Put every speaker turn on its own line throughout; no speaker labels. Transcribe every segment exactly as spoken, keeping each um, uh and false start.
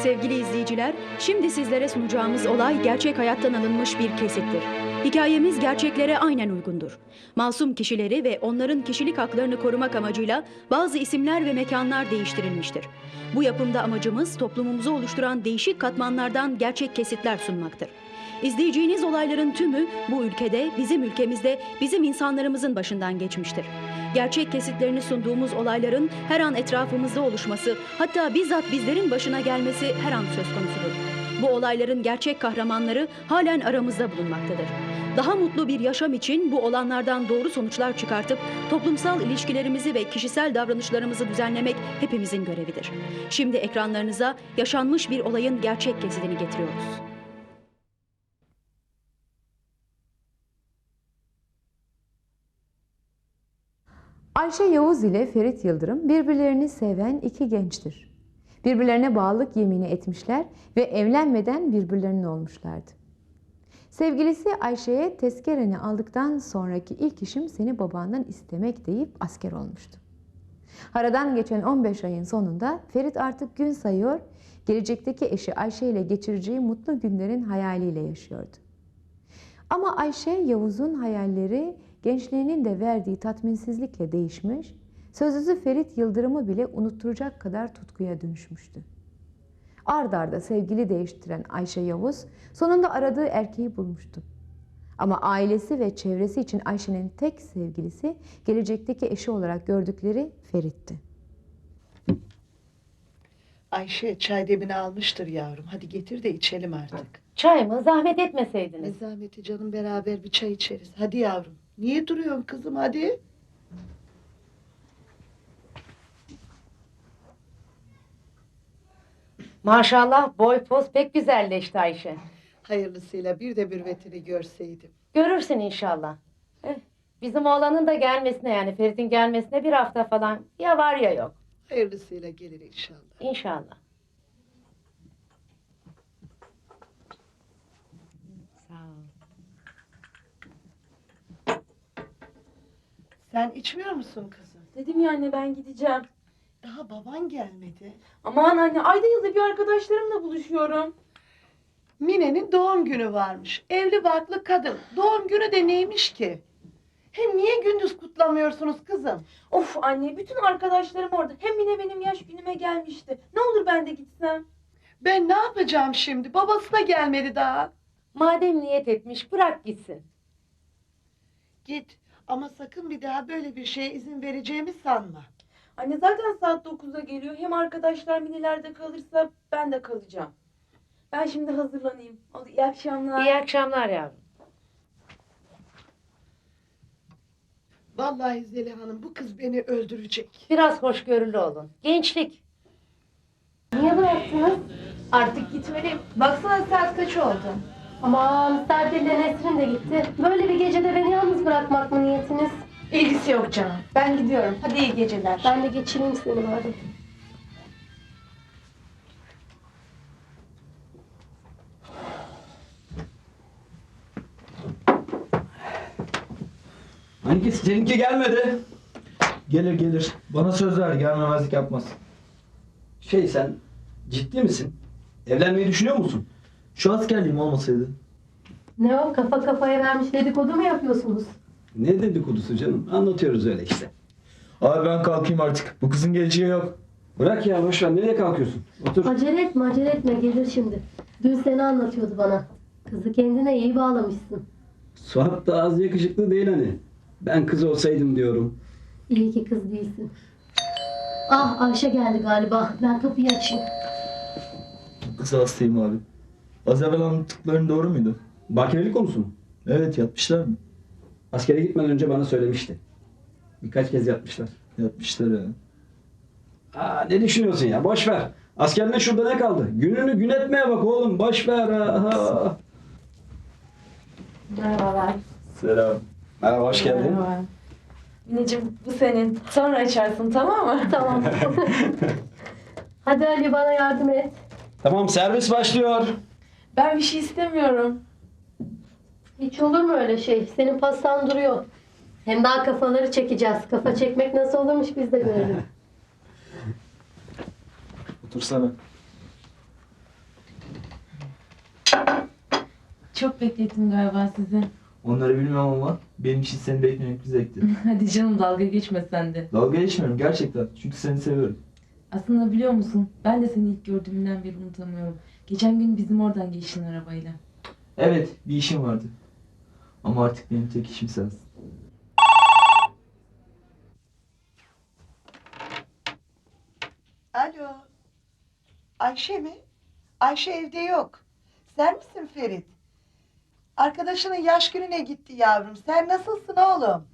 Sevgili izleyiciler, şimdi sizlere sunacağımız olay gerçek hayattan alınmış bir kesittir. Hikayemiz gerçeklere aynen uygundur. Masum kişileri ve onların kişilik haklarını korumak amacıyla bazı isimler ve mekanlar değiştirilmiştir. Bu yapımda amacımız toplumumuzu oluşturan değişik katmanlardan gerçek kesitler sunmaktır. İzleyeceğiniz olayların tümü bu ülkede, bizim ülkemizde, bizim insanlarımızın başından geçmiştir. Gerçek kesitlerini sunduğumuz olayların her an etrafımızda oluşması, hatta bizzat bizlerin başına gelmesi her an söz konusudur. Bu olayların gerçek kahramanları halen aramızda bulunmaktadır. Daha mutlu bir yaşam için bu olanlardan doğru sonuçlar çıkartıp toplumsal ilişkilerimizi ve kişisel davranışlarımızı düzenlemek hepimizin görevidir. Şimdi ekranlarınıza yaşanmış bir olayın gerçek kesitini getiriyoruz.
Ayşe Yavuz ile Ferit Yıldırım birbirlerini seven iki gençtir. Birbirlerine bağlılık yemini etmişler ve evlenmeden birbirlerinin olmuşlardı. Sevgilisi Ayşe'ye tezkereni aldıktan sonraki ilk işim seni babandan istemek deyip asker olmuştu. Aradan geçen on beş ayın sonunda Ferit artık gün sayıyor, gelecekteki eşi Ayşe ile geçireceği mutlu günlerin hayaliyle yaşıyordu. Ama Ayşe Yavuz'un hayalleri gençliğinin de verdiği tatminsizlikle değişmiş, sözlüsü Ferit Yıldırım'ı bile unutturacak kadar tutkuya dönüşmüştü. Ard arda sevgili değiştiren Ayşe Yavuz sonunda aradığı erkeği bulmuştu. Ama ailesi ve çevresi için Ayşe'nin tek sevgilisi, gelecekteki eşi olarak gördükleri Ferit'ti.
Ayşe çay demini almıştır yavrum. Hadi getir de içelim artık.
Çay mı? Zahmet
Ne
etmeseydiniz.
zahmeti canım, beraber bir çay içeriz. Hadi yavrum. Niye duruyorsun kızım, hadi.
Maşallah boy poz pek güzelleşti Ayşe.
Hayırlısıyla bir de mürvetini görseydim.
Görürsün inşallah. Eh, bizim oğlanın da gelmesine, yani Ferit'in gelmesine bir hafta falan ya var ya yok.
Hayırlısıyla gelir inşallah.
İnşallah. Sağ ol.
Sen içmiyor musun kızım?
Dedim ya anne, ben gideceğim.
Daha baban gelmedi.
Aman anne, ayda yılda bir arkadaşlarımla buluşuyorum.
Mine'nin doğum günü varmış. Evli barklı kadın. Doğum günü de neymiş ki? Hem niye gündüz kutlamıyorsunuz kızım?
Of anne, bütün arkadaşlarım orada. Hem yine benim yaş günüme gelmişti. Ne olur ben de gitsem.
Ben ne yapacağım şimdi? Babası da gelmedi daha.
Madem niyet etmiş bırak gitsin.
Git ama sakın bir daha böyle bir şeye izin vereceğimi sanma.
Anne zaten saat dokuzda geliyor. Hem arkadaşlar minilerde kalırsa ben de kalacağım. Ben şimdi hazırlanayım. Hadi iyi akşamlar.
İyi akşamlar yavrum.
Vallahi Zeliha Hanım, bu kız beni öldürecek.
Biraz hoşgörülü olun. Gençlik.
Niye bıraktınız?
Artık gitmeliyim. Baksana saat kaç oldu?
Aman misafirle Nesrin de gitti. Böyle bir gecede beni yalnız bırakmak mı niyetiniz?
İlgisi yok canım. Ben gidiyorum. Hadi iyi geceler.
Ben de geçireyim seni bari.
Hangisi? Seninki gelmedi.
Gelir gelir. Bana söz ver, gelmemezlik yapmaz.
Şey, sen ciddi misin? Evlenmeyi düşünüyor musun?
Şu askerliğim olmasaydı.
Ne o, kafa kafaya vermiş dedikodu mu yapıyorsunuz?
Ne dedikodusu canım? Anlatıyoruz öyle işte.
Abi ben kalkayım artık. Bu kızın geleceği yok.
Bırak ya, boş ver. Nereye kalkıyorsun? Otur.
Acele etme acele etme, gelir şimdi. Dün seni anlatıyordu bana. Kızı kendine iyi bağlamışsın.
Suat da az yakışıklı değil hani. Ben kız olsaydım diyorum.
İyi ki kız değilsin. Ah, Ayşe geldi galiba. Ben kapıyı açayım.
Kıza hastayım abi. Az evvel anlattıkların doğru muydu?
Bakirelik konusu mu?
Evet, yatmışlar mı?
Askere gitmeden önce bana söylemişti. Birkaç kez yatmışlar.
Yatmışlar ya.
Aa, ne düşünüyorsun ya? Boş ver. Askerliğin şurada ne kaldı? Gününü gün etmeye bak oğlum. Boş ver. Aha.
Merhabalar.
Selam.
Merhaba, hoş geldin.
Merhaba. Mineciğim, bu senin. Sonra açarsın, tamam mı?
Tamam. Hadi Ali, bana yardım et.
Tamam, servis başlıyor.
Ben bir şey istemiyorum.
Hiç olur mu öyle şey? Senin pastan duruyor. Hem daha kafaları çekeceğiz. Kafa çekmek nasıl olurmuş biz de görelim.
Otursana.
Çok beklettim galiba sizi.
Onları bilmem ama benim için seni beklemek bir zevkti.
Hadi canım dalga geçme sen de.
Dalga geçmiyorum gerçekten. Çünkü seni seviyorum.
Aslında biliyor musun? Ben de seni ilk gördüğümden beri unutamıyorum. Geçen gün bizim oradan geçtin arabayla.
Evet, bir işim vardı. Ama artık benim tek işim sensin.
Alo. Ayşe mi? Ayşe evde yok. Sen misin Ferit? Arkadaşının yaş gününe gitti yavrum. Sen nasılsın oğlum?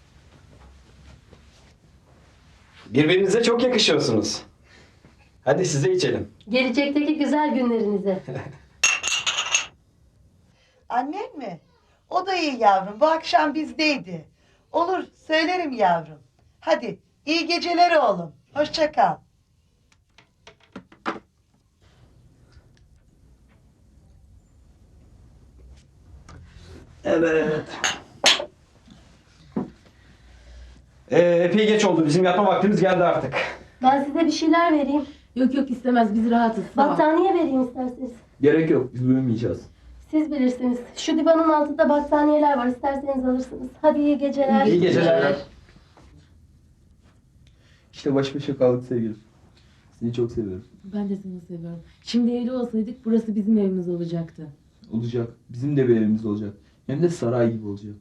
Birbirinize çok yakışıyorsunuz. Hadi size içelim.
Gelecekteki güzel günlerinize.
Annen mi? O da iyi yavrum. Bu akşam bizdeydi. Olur, söylerim yavrum. Hadi, iyi geceler oğlum. Hoşça kal.
Evet. Ee, epey geç oldu. Bizim yatma vaktimiz geldi artık.
Ben size bir şeyler vereyim.
Yok yok istemez biz rahatız. Sağ ol.
Battaniye vereyim isterseniz.
Gerek yok, biz uyumayacağız.
Siz bilirsiniz. Şu divanın altında battaniyeler var. İsterseniz alırsınız. Hadi iyi geceler.
İyi geceler.
İşte baş başa kaldık sevgilim. Seni çok seviyorum.
Ben de seni seviyorum. Şimdi evli olsaydık burası bizim evimiz olacaktı.
Olacak. Bizim de bir evimiz olacak. Hem de saray gibi olacak.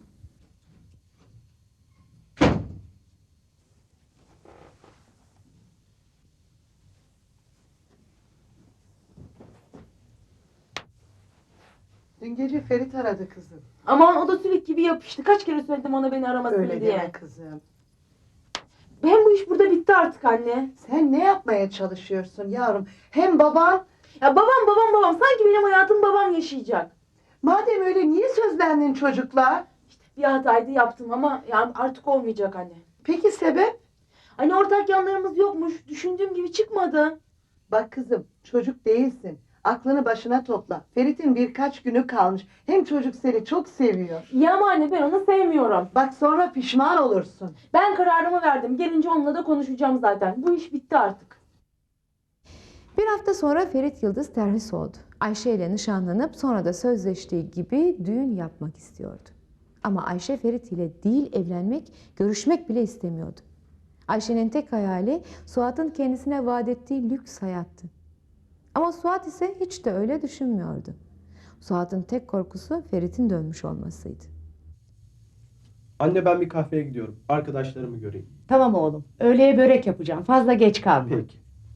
Dün gece Ferit aradı kızım.
Aman o da sülük gibi yapıştı. Kaç kere söyledim ona beni aramasın
Öyle
diye.
deme kızım.
Hem bu iş burada bitti artık anne.
Sen ne yapmaya çalışıyorsun yavrum? Hem baban,
Ya babam babam babam. Sanki benim hayatım babam yaşayacak.
madem öyle niye sözlendin çocuklar?
Bir hataydı yaptım ama yani artık olmayacak anne.
Peki sebep?
Hani ortak yanlarımız yokmuş. Düşündüğüm gibi çıkmadı.
Bak kızım, çocuk değilsin. Aklını başına topla. Ferit'in birkaç günü kalmış. Hem çocuk seni çok seviyor.
İyi ama anne ben onu sevmiyorum.
Bak sonra pişman olursun.
Ben kararımı verdim. Gelince onunla da konuşacağım zaten. Bu iş bitti artık.
Bir hafta sonra Ferit Yıldız terhis oldu. Ayşe ile nişanlanıp sonra da sözleştiği gibi düğün yapmak istiyordu. Ama Ayşe Ferit ile değil evlenmek, görüşmek bile istemiyordu. Ayşe'nin tek hayali Suat'ın kendisine vaat ettiği lüks hayattı. Ama Suat ise hiç de öyle düşünmüyordu. Suat'ın tek korkusu Ferit'in dönmüş olmasıydı.
Anne ben bir kahveye gidiyorum. Arkadaşlarımı göreyim.
Tamam oğlum. Öğleye börek yapacağım. Fazla geç kalma.
Peki.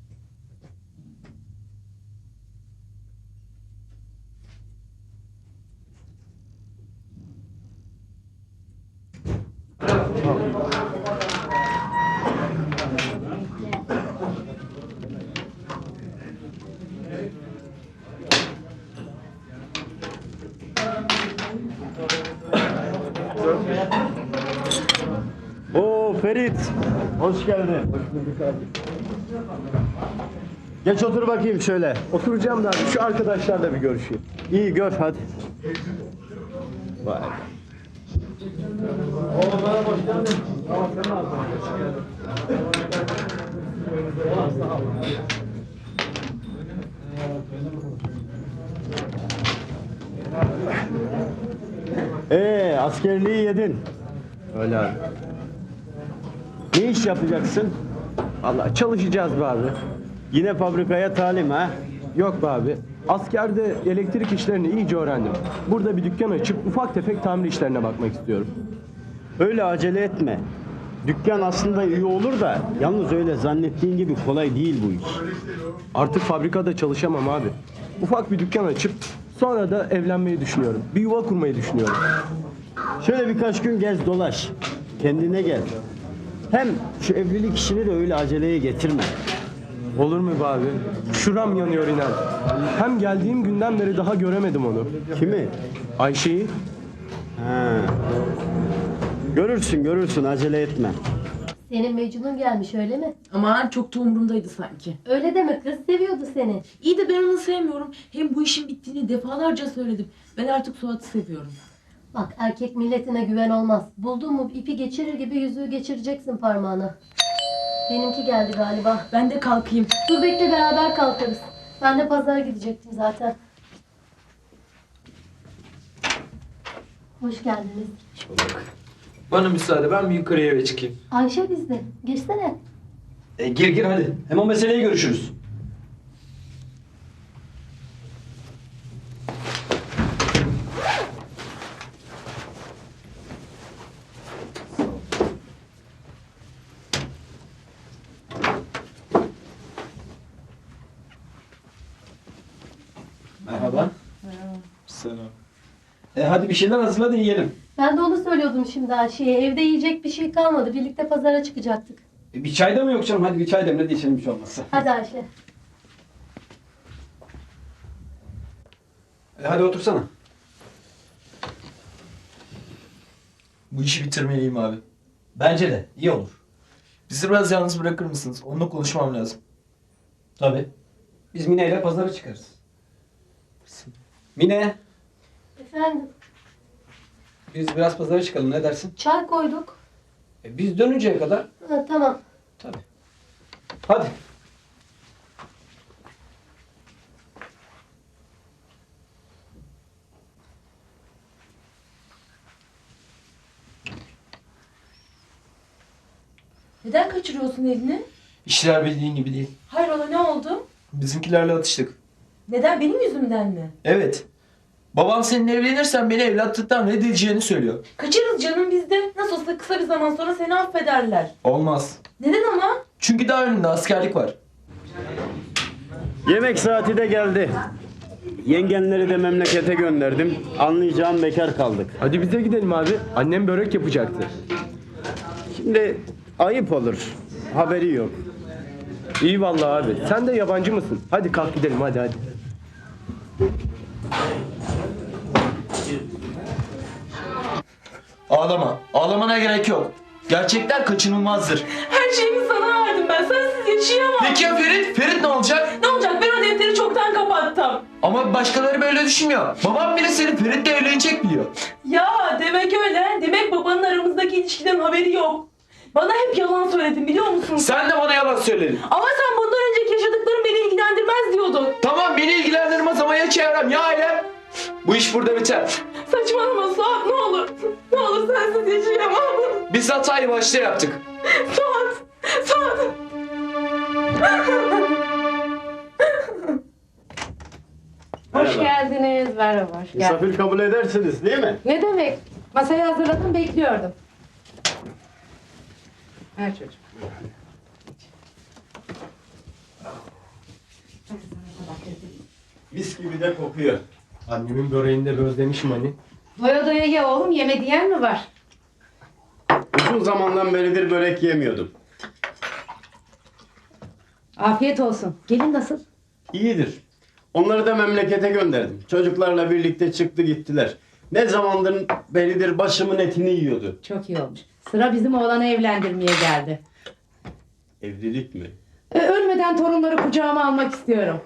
Oo Ferit, hoş geldin. Hoş bulduk abi. Geç otur bakayım şöyle.
Oturacağım da abi, şu arkadaşlarla bir görüşeyim.
İyi gör hadi. Vay.
Oğlum bana hoş geldin. Tamam sen ne yapıyorsun?
Ee, askerliği yedin.
Öyle abi.
Ne iş yapacaksın?
Vallahi çalışacağız be abi.
Yine fabrikaya talim ha?
Yok be abi. Askerde elektrik işlerini iyice öğrendim. Burada bir dükkan açıp ufak tefek tamir işlerine bakmak istiyorum.
Öyle acele etme. Dükkan aslında iyi olur da yalnız öyle zannettiğin gibi kolay değil bu iş.
Artık fabrikada çalışamam abi. Ufak bir dükkan açıp sonra da evlenmeyi düşünüyorum. Bir yuva kurmayı düşünüyorum.
Şöyle birkaç gün gez dolaş. Kendine gel. Hem şu evlilik işini de öyle aceleye getirme.
Olur mu be abi? Şuram yanıyor inan. Hem geldiğim günden beri daha göremedim onu.
Kimi?
Ayşe'yi.
Ha. Görürsün görürsün acele etme.
Senin Mecnun gelmiş öyle mi?
Aman çok da umurumdaydı sanki.
Öyle deme kız, seviyordu seni.
İyi de ben onu sevmiyorum. Hem bu işin bittiğini defalarca söyledim. Ben artık Suat'ı seviyorum.
Bak erkek milletine güven olmaz. Buldun mu ipi geçirir gibi yüzüğü geçireceksin parmağına. Benimki geldi galiba.
Ben de kalkayım.
Dur bekle beraber kalkarız. Ben de pazara gidecektim zaten. Hoş geldiniz.
Bana müsaade, ben bir yukarıya eve çıkayım.
Ayşe bizde. Girsene.
E, gir gir hadi. Hem o meseleyi görüşürüz. Merhaba.
Selam.
E, hadi bir şeyler hazırla da yiyelim.
Ben de onu söylüyordum şimdi Ayşe'ye. Evde yiyecek bir şey kalmadı. Birlikte pazara çıkacaktık.
E, bir çay da mı yok canım? Hadi bir çay demle de içelim hiç olmazsa.
Hadi Ayşe.
E, hadi otursana.
Bu işi bitirmeliyim abi.
Bence de. iyi olur.
Bizi biraz yalnız bırakır mısınız? Onunla konuşmam lazım.
Tabii. Biz Mine ile pazara çıkarız. Mine,
Efendim,
biz biraz pazara çıkalım. Ne dersin?
çay koyduk.
E, biz dönünceye kadar.
Ha, tamam.
Tabii. Hadi.
Neden kaçırıyorsun elini?
İşler bildiğin gibi değil.
Hayrola ne oldu?
Bizimkilerle atıştık.
Neden benim yüzümden mi?
Evet. Babam seninle evlenirsen beni evlatlıktan reddedeceğini söylüyor.
Kaçırız canım bizde. Nasıl olsa kısa bir zaman sonra seni affederler.
Olmaz.
Neden ama?
Çünkü daha önünde askerlik var.
Yemek saati de geldi. Yengenleri de memlekete gönderdim. Anlayacağım bekar kaldık.
Hadi bize gidelim abi. Annem börek yapacaktı.
Şimdi ayıp olur. Haberi yok.
İyi vallahi abi. Sen de yabancı mısın? Hadi kalk gidelim hadi hadi.
Ağlama. Ağlamana gerek yok. Gerçekler kaçınılmazdır.
Her şeyimi sana verdim ben. Sensiz yaşayamam.
Peki ya Ferit? Ferit ne olacak?
Ne olacak? Ben o defteri çoktan kapattım.
Ama başkaları böyle düşünmüyor. Babam bile seni Ferit'le evlenecek biliyor.
Ya demek öyle. Demek babanın aramızdaki ilişkiden haberi yok. Bana hep yalan söyledin biliyor musun?
Sen de bana yalan söyledin.
Ama sen bundan önceki yaşadıkların beni ilgilendirmez diyordun.
Tamam, beni ilgilendirmez ama ya çevrem ya ailem? Bu iş burada biter.
Saçmalama Suat ne olur. Ne olur sensiz yaşayamam.
Biz hatayı başta yaptık.
Suat. Suat.
Hoş geldiniz. Merhaba, hoş geldiniz.
Misafir kabul edersiniz değil mi?
Ne demek? Masayı hazırladım, bekliyordum. Ver çocuğum.
Mis gibi de kokuyor.
Annemin böreğini de özlemişim hani.
Doya doya ye oğlum, yeme diyen mi var?
Uzun zamandan beridir börek yemiyordum.
Afiyet olsun. Gelin nasıl?
İyidir. Onları da memlekete gönderdim. Çocuklarla birlikte çıktı gittiler. Ne zamandır beridir başımın etini yiyordu.
Çok iyi olmuş. Sıra bizim oğlanı evlendirmeye geldi.
Evlilik mi?
E, ölmeden torunları kucağıma almak istiyorum.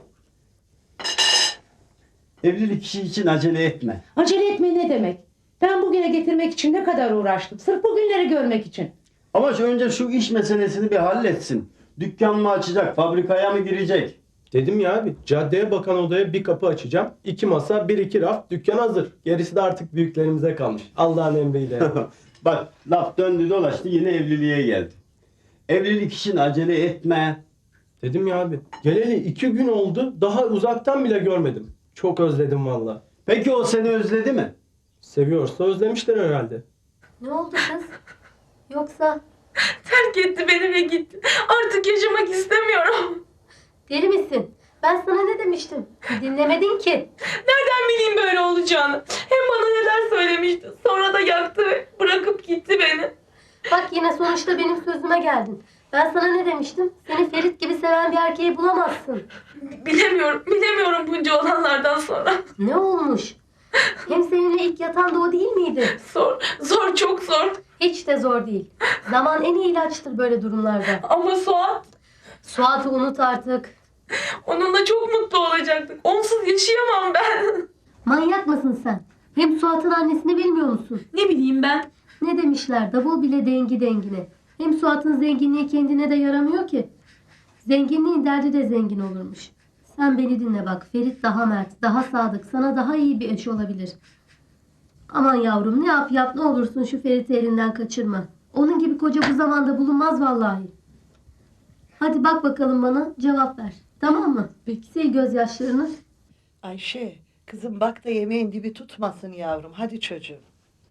Evlilik işi için acele etme.
Acele etme ne demek? Ben bugüne getirmek için ne kadar uğraştım. Sırf bugünleri görmek için.
Ama şu önce şu iş meselesini bir halletsin. Dükkan mı açacak, fabrikaya mı girecek?
Dedim ya abi, caddeye bakan odaya bir kapı açacağım. İki masa, bir iki raf, dükkan hazır. Gerisi de artık büyüklerimize kalmış. Allah'ın emriyle.
Bak laf döndü dolaştı yine evliliğe geldi. Evlilik için acele etme.
Dedim ya abi, geleli iki gün oldu. Daha uzaktan bile görmedim. Çok özledim valla.
Peki o seni özledi mi?
Seviyorsa özlemişler herhalde.
Ne oldu kız? Yoksa
Terk etti beni ve gitti. Artık yaşamak istemiyorum.
deli misin? Ben sana ne demiştim? Dinlemedin ki.
Nereden bileyim böyle olacağını? Hem bana neler söylemişti. Sonra da yaktı ve bırakıp gitti beni.
Bak yine sonuçta benim sözüme geldin. Ben sana ne demiştim? Seni Ferit gibi seven bir erkeği bulamazsın.
Bilemiyorum, bilemiyorum bunca olanlardan sonra.
Ne olmuş? Hem seninle ilk yatan da o değil miydi?
Zor, zor, çok zor.
Hiç de zor değil. Zaman en iyi ilaçtır böyle durumlarda.
Ama Suat,
Suat'ı unut artık.
onunla çok mutlu olacaktık. Onsuz yaşayamam ben.
Manyak mısın sen? Hem Suat'ın annesini bilmiyor musun?
Ne bileyim ben.
Ne demişler? Davul bile dengi dengine. Hem Suat'ın zenginliği kendine de yaramıyor ki. Zenginliğin derdi de zengin olurmuş. Sen beni dinle bak. Ferit daha mert, daha sadık, sana daha iyi bir eş olabilir. Aman yavrum, ne yap yap ne olursun şu Ferit'i elinden kaçırma. Onun gibi koca bu zamanda bulunmaz vallahi. Hadi bak bakalım bana, cevap ver. Tamam mı? Peki. Sil gözyaşlarını.
Ayşe, kızım bak da yemeğin dibi tutmasın yavrum. Hadi çocuğum.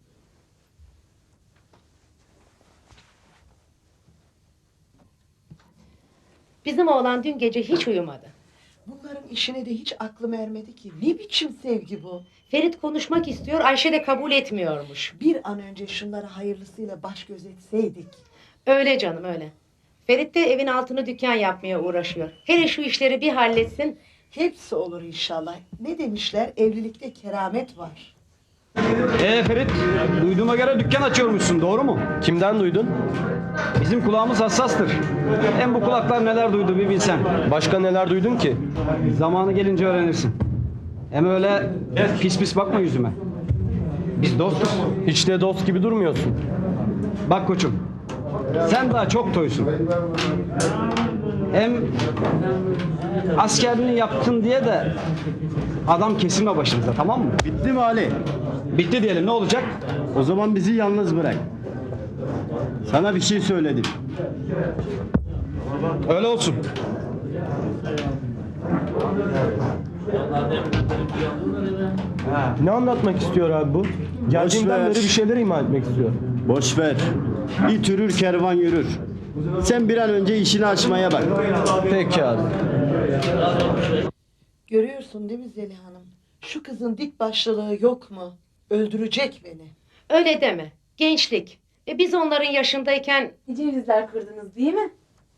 Bizim oğlan dün gece hiç uyumadı.
Bunların işine de hiç aklım ermedi ki. Ne biçim sevgi bu?
Ferit konuşmak istiyor, Ayşe de kabul etmiyormuş.
Bir an önce şunlara hayırlısıyla baş göz etseydik.
Öyle canım öyle. Ferit de evin altını dükkan yapmaya uğraşıyor. Hele şu işleri bir halletsin.
Hepsi olur inşallah. Ne demişler? Evlilikte keramet var.
Ee Ferit, duyduğuma göre dükkan açıyormuşsun, doğru mu?
Kimden duydun?
Bizim kulağımız hassastır. Hem bu kulaklar neler duydu bir bilsen.
Başka neler duydun ki?
Zamanı gelince öğrenirsin. Hem öyle pis pis bakma yüzüme. Biz dostuz.
Hiç de dost gibi durmuyorsun.
Bak koçum, sen daha çok toysun. Hem askerliğini yaptın diye de adam kesilme başımıza, tamam mı?
Bitti mi Ali?
Bitti diyelim, ne olacak?
O zaman bizi yalnız bırak. Sana bir şey söyledim.
Öyle olsun.
Ne anlatmak istiyor abi bu? Geldiğinden
ver.
beri bir şeyler ima etmek istiyor.
Boş ver. İt yürür kervan yürür. Sen bir an önce işini açmaya bak.
Peki abi.
Görüyorsun değil mi Zeliha Hanım? Şu kızın dik başlılığı yok mu? Öldürecek beni.
Öyle deme. Gençlik. E biz onların yaşındayken
Ne cevizler kırdınız değil mi?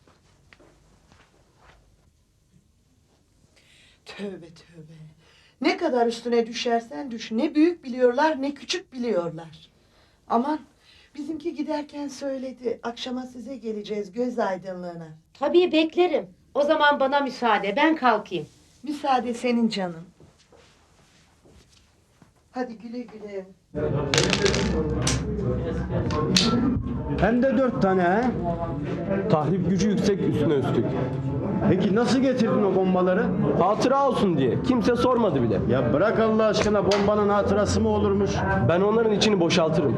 Tövbe tövbe. Ne kadar üstüne düşersen düş. Ne büyük biliyorlar ne küçük biliyorlar. Aman bizimki giderken söyledi. Akşama size geleceğiz göz aydınlığına.
tabii beklerim. O zaman bana müsaade, ben kalkayım.
Müsaade senin canım. Hadi güle güle.
Hem de dört tane he?
Tahrip gücü yüksek üstüne üstlük.
Peki nasıl getirdin o bombaları?
Hatıra olsun diye. Kimse sormadı bile.
Ya bırak Allah aşkına, bombanın hatırası mı olurmuş?
Ben onların içini boşaltırım.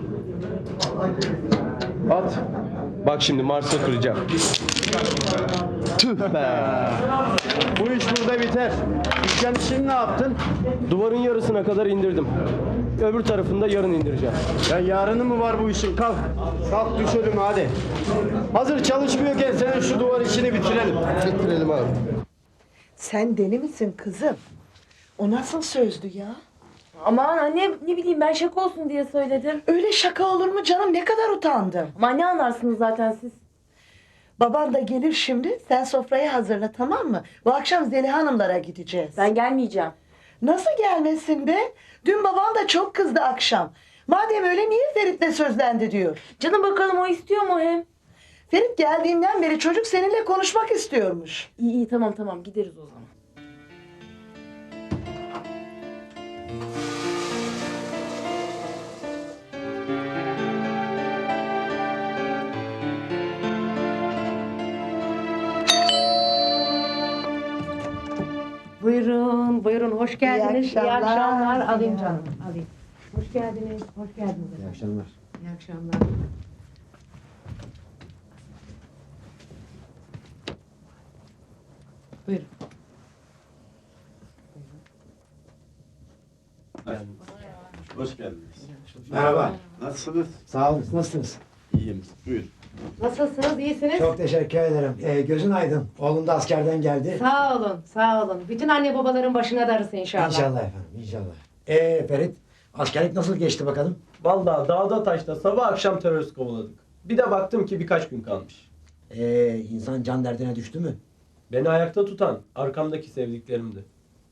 At.
Bak şimdi Mars'a kıracağım. Tüh be.
Bu iş burada biter. Dükkan işini ne yaptın?
Duvarın yarısına kadar indirdim. Öbür tarafını da yarın indireceğim.
Ya yarını mı var bu işin? Kalk. Kalk düş önüme hadi. Hazır çalışmıyorken senin şu duvar işini bitirelim.
Bitirelim abi.
Sen deli misin kızım? O nasıl sözdü ya?
Aman anne ne bileyim ben şaka olsun diye söyledim.
Öyle şaka olur mu canım? Ne kadar utandım.
Ama ne anlarsınız zaten siz?
Baban da gelir şimdi. Sen sofrayı hazırla, tamam mı? Bu akşam Zeliha Hanımlara gideceğiz.
Ben gelmeyeceğim.
Nasıl gelmesin be? Dün baban da çok kızdı akşam. Madem öyle niye Ferit'le sözlendi diyor.
Canım bakalım o istiyor mu hem?
Ferit geldiğinden beri çocuk seninle konuşmak istiyormuş.
İyi iyi tamam tamam gideriz o zaman.
Buyurun, buyurun. Hoş geldiniz.
İyi akşamlar.
İyi akşamlar. Alayım canım, alayım. Hoş geldiniz, hoş geldiniz. İyi akşamlar. İyi akşamlar. Buyurun.
Hoş geldiniz.
Merhaba.
Nasılsınız?
Sağ olun. Nasılsınız?
İyiyim. Buyur.
Nasılsınız, iyisiniz?
Çok teşekkür ederim. Ee, gözün aydın. Oğlum da askerden geldi.
Sağ olun, sağ olun. Bütün anne babaların başına darısı inşallah.
İnşallah efendim, inşallah. Ee Ferit, askerlik nasıl geçti bakalım?
Vallahi dağda taşta sabah akşam terörist kovaladık. Bir de baktım ki birkaç gün kalmış.
Ee, insan can derdine düştü mü?
Beni ayakta tutan arkamdaki sevdiklerimdi.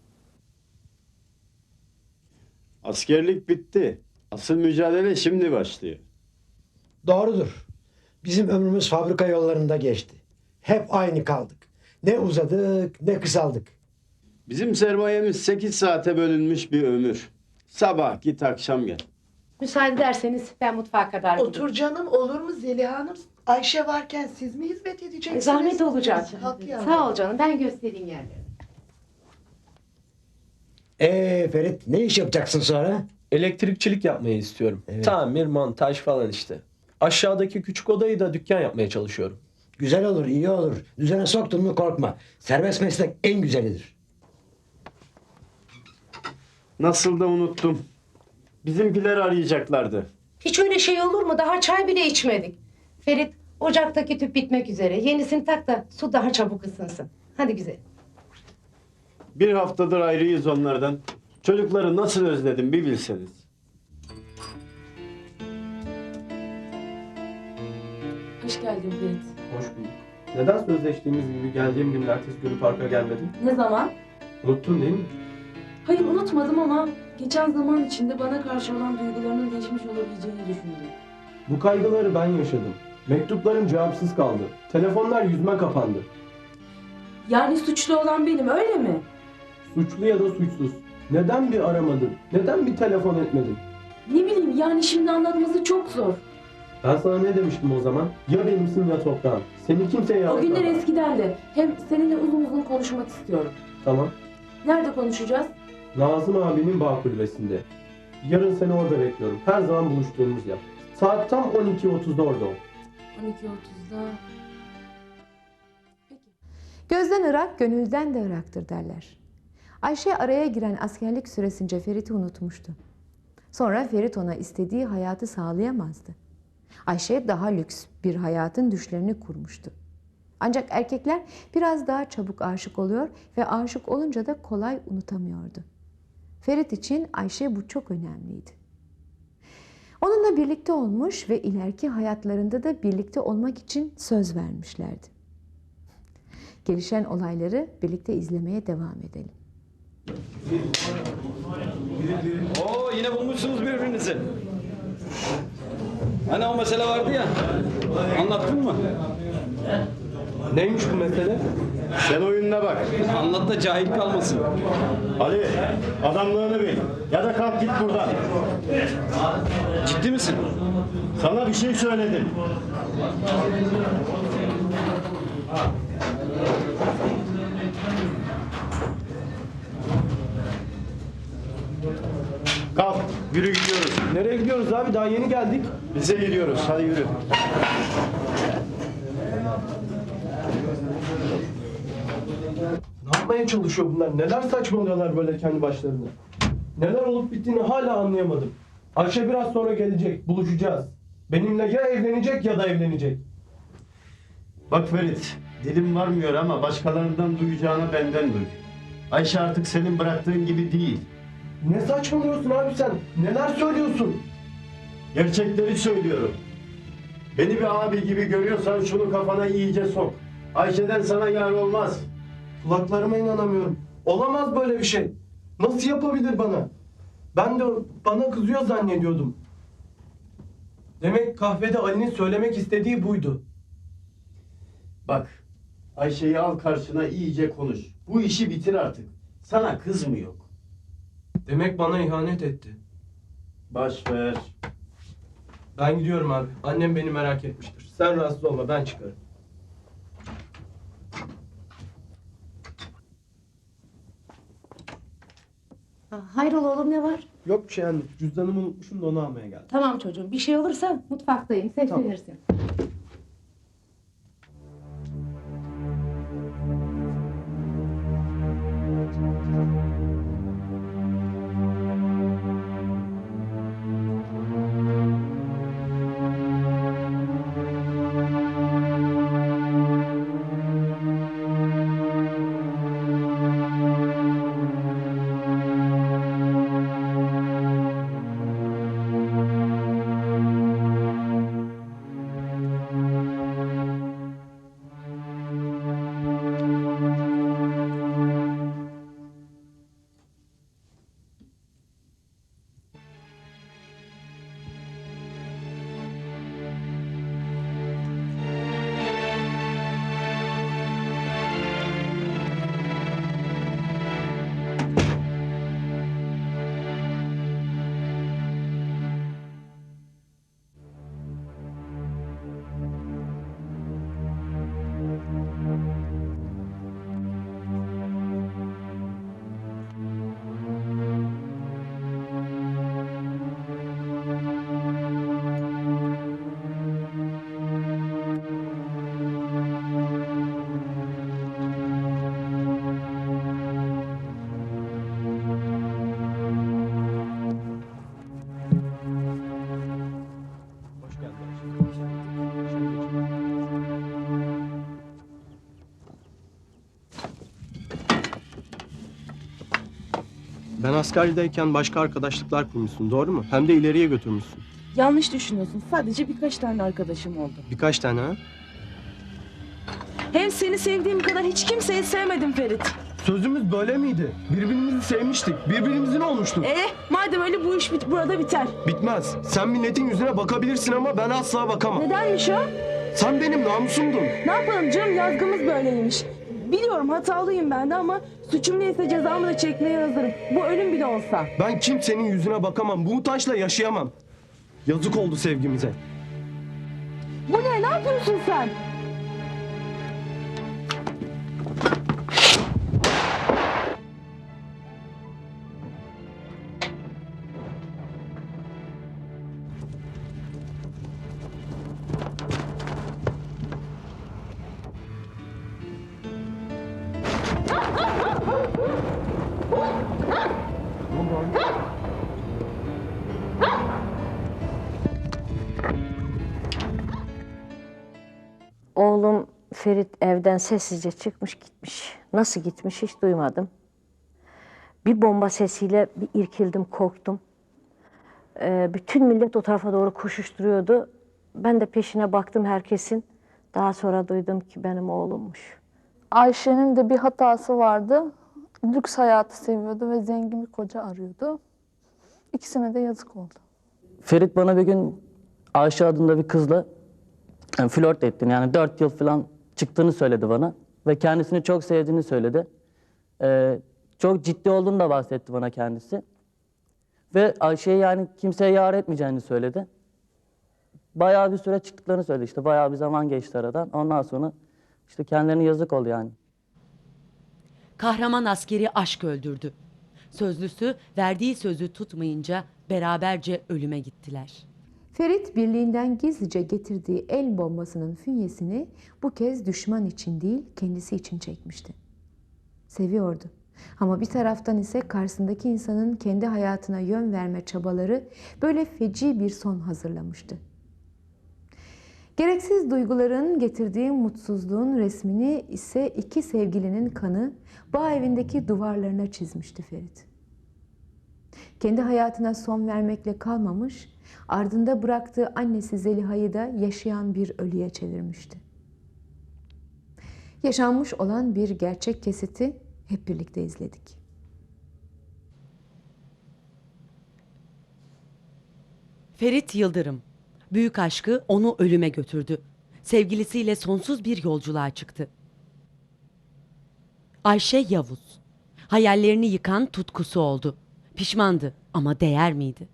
Askerlik bitti. Asıl mücadele şimdi başlıyor.
Doğrudur. Bizim ömrümüz fabrika yollarında geçti. Hep aynı kaldık. Ne uzadık, ne kısaldık.
Bizim sermayemiz sekiz saate bölünmüş bir ömür. Sabah git akşam gel.
Müsaade ederseniz ben mutfağa kadar gideyim.
Otur canım, olur mu Zeliha Hanım? Ayşe varken siz mi hizmet edeceksiniz?
E, Zahmet olacak.
Kalk yavrum.
Sağ ol canım, ben göstereyim yerleri.
Ee Ferit, ne iş yapacaksın sonra?
Elektrikçilik yapmayı istiyorum.
Evet.
Tamir, montaj falan işte. Aşağıdaki küçük odayı da dükkan yapmaya çalışıyorum.
Güzel olur, iyi olur. Düzene soktun mu korkma. Serbest meslek en güzelidir.
Nasıl da unuttum. Bizimkiler arayacaklardı.
Hiç öyle şey olur mu? Daha çay bile içmedik.
Ferit, ocaktaki tüp bitmek üzere. Yenisini tak da su daha çabuk ısınsın. Hadi güzel.
Bir haftadır ayrıyız onlardan. Çocukları nasıl özledim bir bilseniz.
Hoş geldin Ferit.
Hoş bulduk. Neden sözleştiğimiz gibi geldiğim gün ertesi günü parka gelmedin?
Ne zaman?
Unuttun değil mi?
Hayır unutmadım ama geçen zaman içinde bana karşı olan duygularının değişmiş olabileceğini düşündüm.
Bu kaygıları ben yaşadım. Mektuplarım cevapsız kaldı. Telefonlar yüzüme kapandı.
Yani suçlu olan benim öyle mi?
Suçlu ya da suçsuz. Neden bir aramadın? Neden bir telefon etmedin?
Ne bileyim yani şimdi anlatması çok zor.
Ben sana ne demiştim o zaman? Ya benimsin ya toprağın. Seni kimseye
O günler
anlatamam.
eskiden de. Hem seninle uzun uzun konuşmak istiyorum.
Tamam.
Nerede konuşacağız?
Nazım abinin bağ kulübesinde. Yarın seni orada bekliyorum. Her zaman buluştuğumuz yer. Saat tam on iki otuzda orada ol.
on iki otuzda. Peki.
Gözden ırak, gönülden de ıraktır derler. Ayşe araya giren askerlik süresince Ferit'i unutmuştu. Sonra Ferit ona istediği hayatı sağlayamazdı. Ayşe daha lüks bir hayatın düşlerini kurmuştu. Ancak erkekler biraz daha çabuk aşık oluyor ve aşık olunca da kolay unutamıyordu. Ferit için Ayşe bu çok önemliydi. Onunla birlikte olmuş ve ileriki hayatlarında da birlikte olmak için söz vermişlerdi. Gelişen olayları birlikte izlemeye devam edelim.
Oo, yine bulmuşsunuz birbirinizi. Hani o mesele vardı ya. Anlattın mı?
Neymiş bu mesele?
Sen oyununa bak.
Anlat da cahil kalmasın.
Ali, adamlığını bil. Ya da kalk git buradan.
Ciddi misin?
Sana bir şey söyledim. Kalk, yürü gidiyoruz.
Nereye gidiyoruz abi? Daha yeni geldik.
Bize gidiyoruz, hadi yürü.
Ne yapmaya çalışıyor bunlar? Neler saçmalıyorlar böyle kendi başlarına? Neler olup bittiğini hala anlayamadım. Ayşe biraz sonra gelecek. Buluşacağız. Benimle ya evlenecek ya da evlenecek.
Bak Ferit, dilim varmıyor ama başkalarından duyacağına benden duy. Ayşe artık senin bıraktığın gibi değil.
Ne saçmalıyorsun abi sen? Neler söylüyorsun?
Gerçekleri söylüyorum. Beni bir abi gibi görüyorsan şunu kafana iyice sok. Ayşe'den sana yar olmaz.
Kulaklarıma inanamıyorum. Olamaz böyle bir şey. Nasıl yapabilir bana? Ben de bana kızıyor zannediyordum. Demek kahvede Ali'nin söylemek istediği buydu.
Bak, Ayşe'yi al karşına iyice konuş. Bu işi bitir artık. Sana kız mı yok?
Demek bana ihanet etti.
Baş ver.
Ben gidiyorum abi. Annem beni merak etmiştir. Sen rahatsız olma, ben çıkarım.
Hayrola oğlum ne var?
Yok bir şey anne. Cüzdanımı unutmuşum da onu almaya geldim.
Tamam çocuğum bir şey olursa mutfaktayım. Seslenirsin.
Ben askerdeyken başka arkadaşlıklar kurmuşsun, doğru mu? Hem de ileriye götürmüşsün.
Yanlış düşünüyorsun. Sadece birkaç tane arkadaşım oldu.
Birkaç tane ha?
Hem seni sevdiğim kadar hiç kimseyi sevmedim Ferit.
Sözümüz böyle miydi? Birbirimizi sevmiştik, birbirimizin olmuştuk.
Ee, madem öyle bu iş bit burada biter.
Bitmez. Sen milletin yüzüne bakabilirsin ama ben asla bakamam.
Nedenmiş o?
Sen benim namusumdun.
Ne yapalım canım, yazgımız böyleymiş. Biliyorum hatalıyım ben de ama suçum neyse cezamı da çekmeye hazırım. Bu ölüm bile olsa.
Ben kimsenin yüzüne bakamam. Bu utançla yaşayamam. Yazık oldu sevgimize.
Bu ne? Ne yapıyorsun sen?
Oğlum Ferit evden sessizce çıkmış gitmiş. Nasıl gitmiş hiç duymadım. Bir bomba sesiyle bir irkildim, korktum. Ee, bütün millet o tarafa doğru koşuşturuyordu. Ben de peşine baktım herkesin. Daha sonra duydum ki benim oğlummuş.
Ayşe'nin de bir hatası vardı. Lüks hayatı seviyordu ve zengin bir koca arıyordu. İkisine de yazık oldu.
Ferit bana bir gün Ayşe adında bir kızla yani flört ettiğini, yani dört yıl falan çıktığını söyledi bana. Ve kendisini çok sevdiğini söyledi. Ee, çok ciddi olduğunu da bahsetti bana kendisi. Ve Ayşe'yi yani kimseye yar etmeyeceğini söyledi. Bayağı bir süre çıktıklarını söyledi işte. Bayağı bir zaman geçti aradan. Ondan sonra işte kendilerine yazık oldu yani.
Kahraman askeri aşk öldürdü. Sözlüsü verdiği sözü tutmayınca beraberce ölüme gittiler.
Ferit birliğinden gizlice getirdiği el bombasının fünyesini bu kez düşman için değil kendisi için çekmişti. Seviyordu. Ama bir taraftan ise karşısındaki insanın kendi hayatına yön verme çabaları böyle feci bir son hazırlamıştı. Gereksiz duyguların getirdiği mutsuzluğun resmini ise iki sevgilinin kanı bağ evindeki duvarlarına çizmişti Ferit. Kendi hayatına son vermekle kalmamış, ardında bıraktığı annesi Zeliha'yı da yaşayan bir ölüye çevirmişti. Yaşanmış olan bir gerçek kesiti hep birlikte izledik.
Ferit Yıldırım, büyük aşkı onu ölüme götürdü. Sevgilisiyle sonsuz bir yolculuğa çıktı. Ayşe Yavuz, hayallerini yıkan tutkusu oldu. Pişmandı ama değer miydi?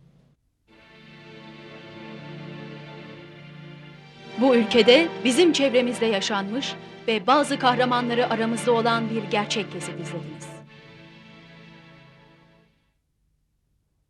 Bu ülkede bizim çevremizde yaşanmış ve bazı kahramanları aramızda olan bir gerçek kesit izlediniz.